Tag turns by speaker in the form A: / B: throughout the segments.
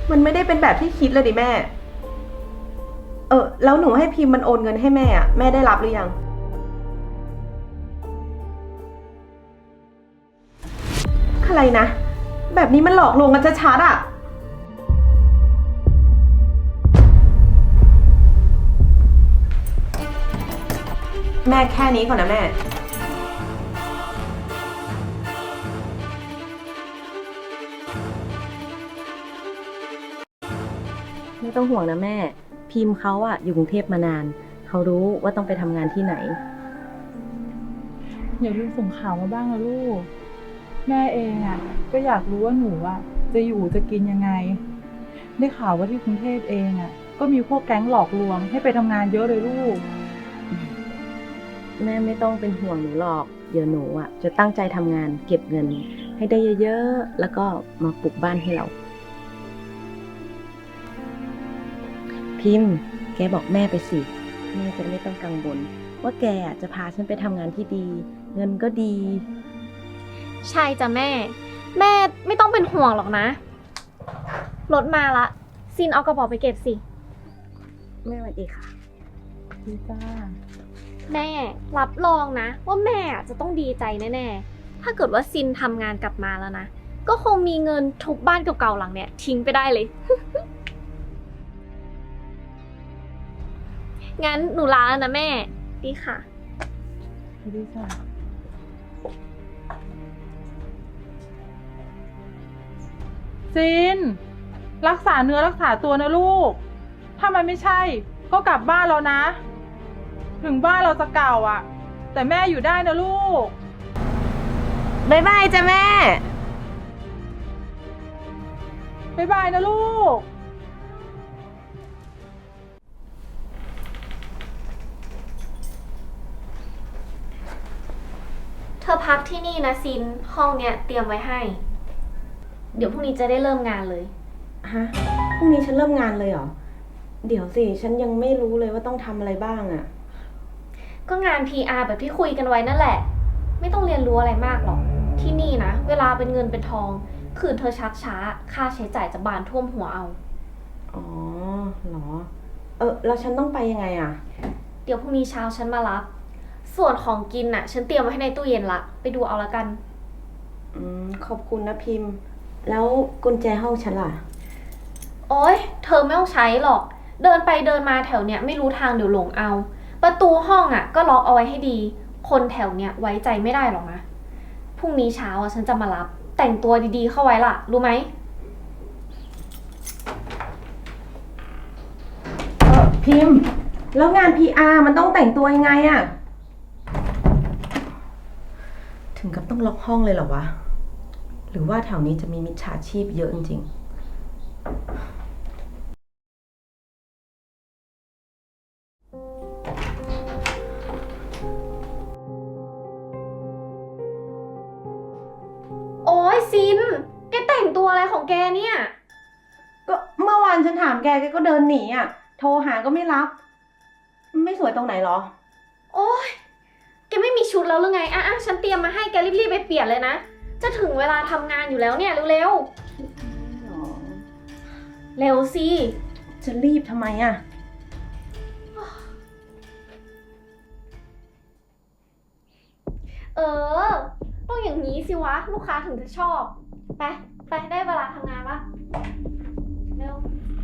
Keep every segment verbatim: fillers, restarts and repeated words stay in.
A: มันไม่ได้เป็นแบบที่คิดเลยดิแม่ เออแล้วหนูให้พิมพ์มันโอนเงินให้แม่อะแม่ได้รับหรือยังอะไรนะ แบบนี้มันหลอกลวงกันชัดๆอะแม่แค่นี้ก่อนนะแม่
B: ไม่ต้องห่วงนะแม่ พิมพ์เขาอะอยู่กรุงเทพมานาน เขารู้ว่าต้องไปทำงานที่ไหน
C: อย่าลืมส่งข่าวมาบ้างนะลูกแม่เองอ่ะก็อยากรู้ว่าหนูอ่ะจะอยู่จะกินยังไงได้ข่าวว่าที่กรุงเทพเองอ่ะก็มีพวกแก๊งหลอกลวงให้ไปทำงานเยอะเลยลูก
B: แม่ไม่ต้องเป็นห่วงหนูหรอก เดี๋ยวหนูอะจะตั้งใจทำงานเก็บเงิน ให้ได้เยอะๆ แล้วก็มาปลูกบ้านให้เรา พิมพ์ แกบอกแม่ไปสิ แม่จะไม่ต้องกังวลว่าแกอะจะพาฉันไปทำงานที่ดี เงินก็ดี
D: ใช่จ้ะแม่ แม่ไม่ต้องเป็นห่วงหรอกนะ รถมาละซินเอากระเป๋าไปเก็บสิ
B: แม่สวัสดีค่ะ
C: ดีจ้า
D: แม่รับรองนะว่าแม่จะต้องดีใจแน่ๆ ถ้าเกิดว่าซินทำงานกลับมาแล้วนะ ก็คงมีเงินทุบบ้านเก่าๆหลังเนี่ยทิ้งไปได้เลย งั้นหนูลาแล้วนะแม่ ดีค่ะ
C: ดีจ้าซินรักษาเนื้อรักษาตัวนะลูกถ้ามันไม่ใช่ก็กลับบ้านแล้วนะถึงบ้านเราจะเก่าอ่ะแต่แม่อยู่ได้นะลูก
A: บ๊ายบายจ้ะแม่
C: บ๊ายบายนะลูก
D: เธอพักที่นี่นะซิน ห้องเนี้ยเตรียมไว้ให้ เดี๋ยวพรุ่งนี้จะได้เริ่มงานเลย
A: ฮะ พรุ่งนี้ฉันเริ่มงานเลยเหรอ เดี๋ยวสิ ฉันยังไม่รู้เลยว่าต้องทำอะไรบ้างอะ
D: ก็งาน พี อาร์ แบบที่คุยกันไว้นั่นแหละ ไม่ต้องเรียนรู้อะไรมากหรอก ที่นี่นะ เวลาเป็นเงินเป็นทอง คืนเธอชักช้า ค่าใช้จ่ายจะบานท่วมหัวเอา
A: อ๋อเหรอ เออแล้วฉันต้องไปยังไงอะ
D: เดี๋ยวพรุ่งนี้เช้าฉันมารับ ส่วนของกินน่ะ ฉันเตรียมไว้ให้ในตู้เย็นละ ไปดูเอาละกัน
A: อืม ขอบคุณนะพิมพ์ แล้วกุญแจห้องฉันล่ะ
D: โอ๊ย เธอไม่ต้องใช้หรอก เดินไปเดินมาแถวเนี้ยไม่รู้ทางเดี๋ยวหลงเอา ประตูห้องอ่ะก็ล็อกเอาไว้ให้ดี คนแถวเนี้ยไว้ใจไม่ได้หรอกนะ พรุ่งนี้เช้าอ่ะฉันจะมารับ แต่งตัวดีๆเข้าไว้ล่ะ รู้ไหม
A: เออพิมพ์ แล้วงาน พี อาร์ มันต้องแต่งตัวยังไงอะถึงกับต้องล็อกห้องเลยเหรอวะ หรือว่าแถวนี้จะมีมิจฉาชีพเยอะจริงๆ
D: โอ๊ยซิน แกแต่งตัวอะไรของแกเนี่ย
A: ก็เมื่อวานฉันถามแกแกก็เดินหนีอ่ะ โทรหาก็ไม่รับ ไม่สวยตรงไหนหรอ
D: โอ๊ย แกไม่มีชุดแล้วหรือไง อ่ะอ่ะฉันเตรียมมาให้แกรีบๆไปเปลี่ยนเลยนะ จะถึงเวลาทำงานอยู่แล้วเนี่ยเร็วๆ เร็วสิ
A: จะรีบทำไมอ่ะ
D: เออ ต้องอย่างนี้สิวะ ลูกค้าถึงจะชอบ ไป ไปได้เวลาทำงานละเร็ว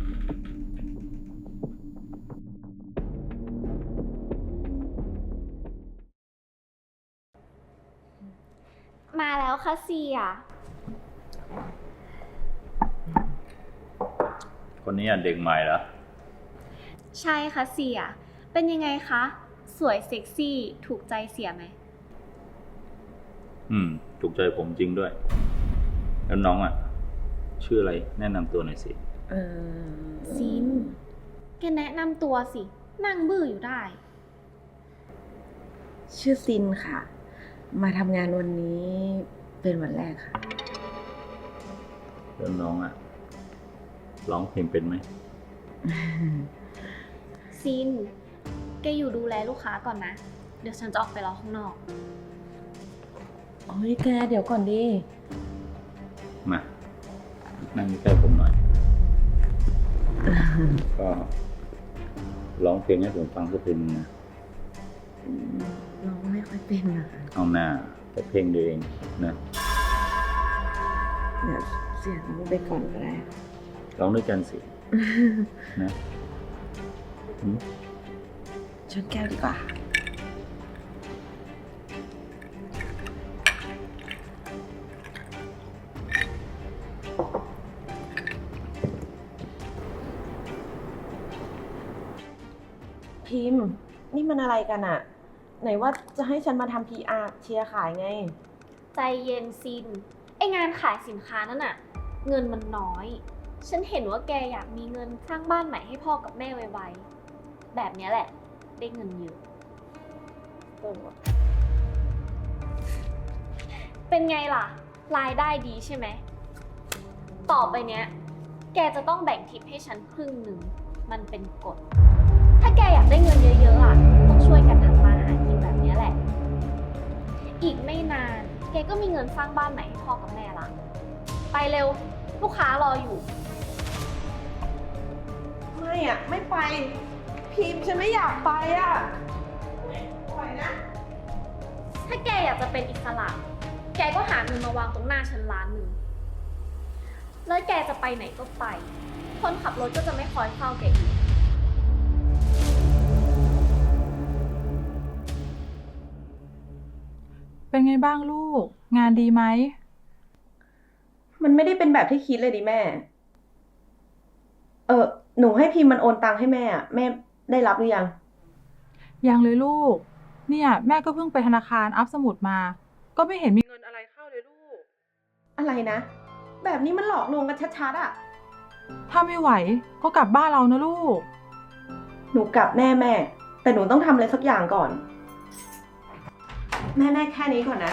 D: มาแล้วค่ะเสีย
E: คนนี้อ่ะเด็กใหม่เหรอ
D: ใช่ค่ะเสีย เป็นยังไงคะ สวยเซ็กซี่ ถูกใจเสียไหม
E: อืม ถูกใจผมจริงด้วย แล้วน้องอ่ะ ชื่ออะไรแนะนำตัวหน่อยสิ
A: เออ
D: ซิน แกแนะนำตัวสิ นั่งบื้ออยู่ได้
A: ชื่อซินค่ะ มาทำงานวันนี้เป็นวันแรกค่ะ
E: แล้วน้องอ่ะ ร้องเพลงเป็นไหม
D: ซิน แกอยู่ดูแลลูกค้าก่อนนะ เดี๋ยวฉันจะออกไปรอข้างนอก
A: โอ้ยแกเดี๋ยวก่อนดิ
E: มา นั่งใกล้ผมหน่อยก็ร้องเพลงให้ผมฟังสักเพลงนะ
B: ร้องไม่ค่อยเป็นนะคะ
E: เอาหน้าแต่เพลงเดียวเองนะ
B: เดี๋ยวเสียงไปก่อนก็ได้
E: ร้องด้วยกันสิ นะอืม
B: ชนแก้วดีกว่า
A: พิมพ์ นี่มันอะไรกันอะไหนว่าจะให้ฉันมาทำ พี อาร์ เชียร์ขายไง
D: ใจเย็นซิน ไองานขายสินค้านั่นน่ะ เงินมันน้อย ฉันเห็นว่าแกอยากมีเงินสร้างบ้านใหม่ให้พ่อกับแม่ไวๆ แบบเนี้ยแหละ ได้เงินเยอะ เป็นไงล่ะ รายได้ดีใช่ไหม ต่อไปเนี้ย แกจะต้องแบ่งทิปให้ฉันครึ่งหนึ่ง มันเป็นกฎ ถ้าแกอยากได้เงินเยอะๆอ่ะ ต้องช่วยกันทำมาหากินแบบเนี้ยแหละ อีกไม่นาน แกก็มีเงินสร้างบ้านใหม่ให้พ่อกับแม่ละ ไปเร็ว ลูกค้ารออยู่
A: ไม่อะไม่ไป พิมพ์ฉันไม่อยากไปอะปล่อยนะ
D: ถ้าแกอยากจะเป็นอิสระ แกก็หาเงินมาวางตรงหน้าฉันล้านหนึ่ง แล้วแกจะไปไหนก็ไป คนขับรถก็จะไม่คอยเฝ้าแกอีก
C: เป็นไงบ้างลูก งานดีไหม
A: มันไม่ได้เป็นแบบที่คิดเลยดิแม่ เออหนูให้พิมพ์มันโอนตังค์ให้แม่อะแม่ได้รับหรือยัง
C: ยังเลยลูก เนี่ยแม่ก็เพิ่งไปธนาคารอัพสมุดมา ก็ไม่เห็นมีเงินอะไรเข้าเลยลูก
A: อะไรนะ แบบนี้มันหลอกลวงกันชัดๆอะ
C: ถ้าไม่ไหวก็กลับบ้านเรานะลูก
A: หนูกลับแน่แม่ แต่หนูต้องทำอะไรสักอย่างก่อน แม่ได้แค่นี้ก่อนนะ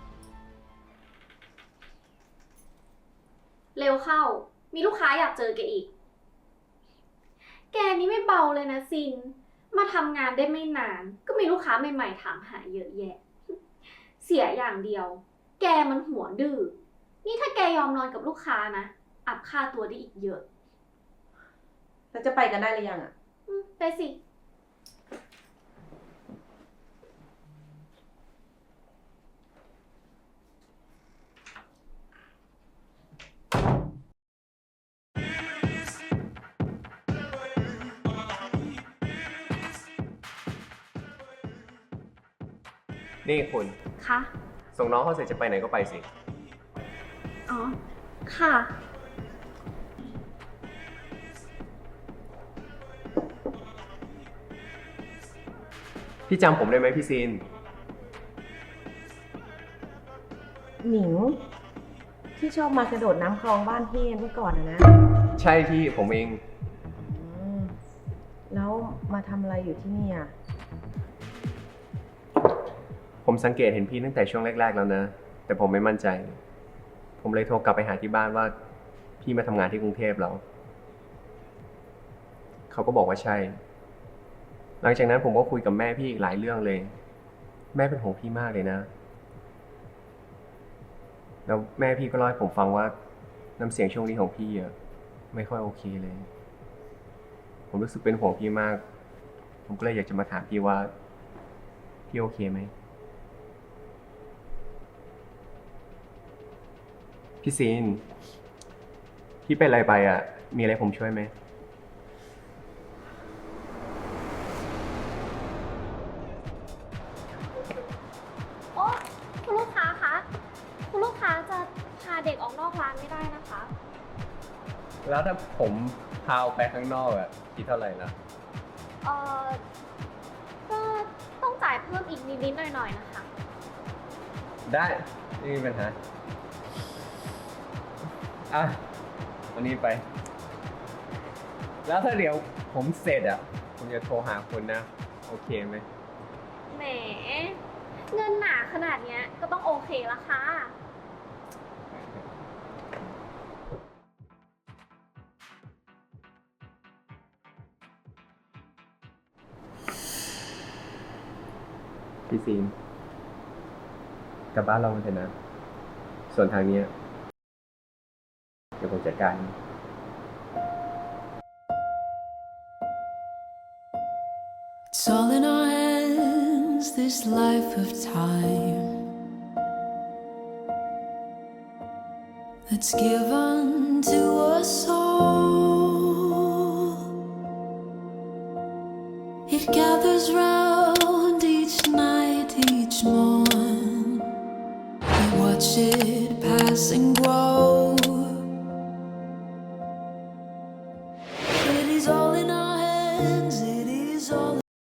D: เร็วเข้า มีลูกค้าอยากเจอแกอีก แกนี่ไม่เบาเลยนะซิน มาทำงานได้ไม่นาน ก็มีลูกค้าใหม่ๆถามหาเยอะแยะ เสียอย่างเดียว แกมันหัวดื้อ นี่ถ้าแกยอมนอนกับลูกค้านะ อัพค่าตัวได้อีกเยอะ
A: แล้วจะไปกันได้หรือยังอะ
D: อืมไปสิ
F: นี่คุณ
D: คะ
F: ส่งน้องเขาเสร็จจะไปไหนก็ไปสิ
D: อ๋อ ค่ะ
F: พี่จำผมได้ไหมพี่ซีน
A: หมิง ที่ชอบมากระโดดน้ำคลองบ้านพี่เมื่อก่อนอะนะ
F: ใช่พี่ผมเอง
A: อืมแล้วมาทำอะไรอยู่ที่นี่อะ
F: ผมสังเกตเห็นพี่ตั้งแต่ช่วงแรก ๆ แล้วนะ แต่ผมไม่มั่นใจ ผมเลยโทรกลับไปหาที่บ้านว่า พี่มาทำงานที่กรุงเทพแล้ว เขาก็บอกว่าใช่ หลังจากนั้นผมก็คุยกับแม่พี่อีกหลายเรื่องเลย แม่เป็นห่วงพี่มากเลยนะ แล้วแม่พี่ก็เล่าให้ผมฟังว่าน้ำเสียงช่วงนี้ของพี่อะไม่ค่อยโอเคเลย ผมรู้สึกเป็นห่วงพี่มาก ผมก็เลยอยากจะมาถามพี่ว่าพี่โอเคไหม พี่ซีน พี่เป็นอะไรไปอ่ะ มีอะไรผมช่วยไหม
D: โอ้คุณลูกค้าคะ คุณลูกค้าจะพาเด็กออกนอกร้านไม่ได้นะคะ
F: แล้วถ้าผมพาไปข้างนอกอ่ะคิดเท่าไหร่นะ
D: เอ่อ ก็ต้องจ่ายเพิ่มอีกนิดๆหน่อยๆนะคะ
F: ได้ไม่มีปัญหา อ่ะวันนี้ไป แล้วถ้าเดี๋ยวผมเสร็จอ่ะ ผมจะโทรหาคุณนะ โอเคไหม
D: แหม เงินหนาขนาดเนี้ยก็ต้องโอเคละค่ะ
F: พี่ซีนกลับบ้านเรากันเถอะนะ ส่วนทางเนี้ยเดี๋ยวผมจัดการ
G: It's all in our hands, this life of time that's given to us all. It gathers round each night, each morn. We watch it pass and grow.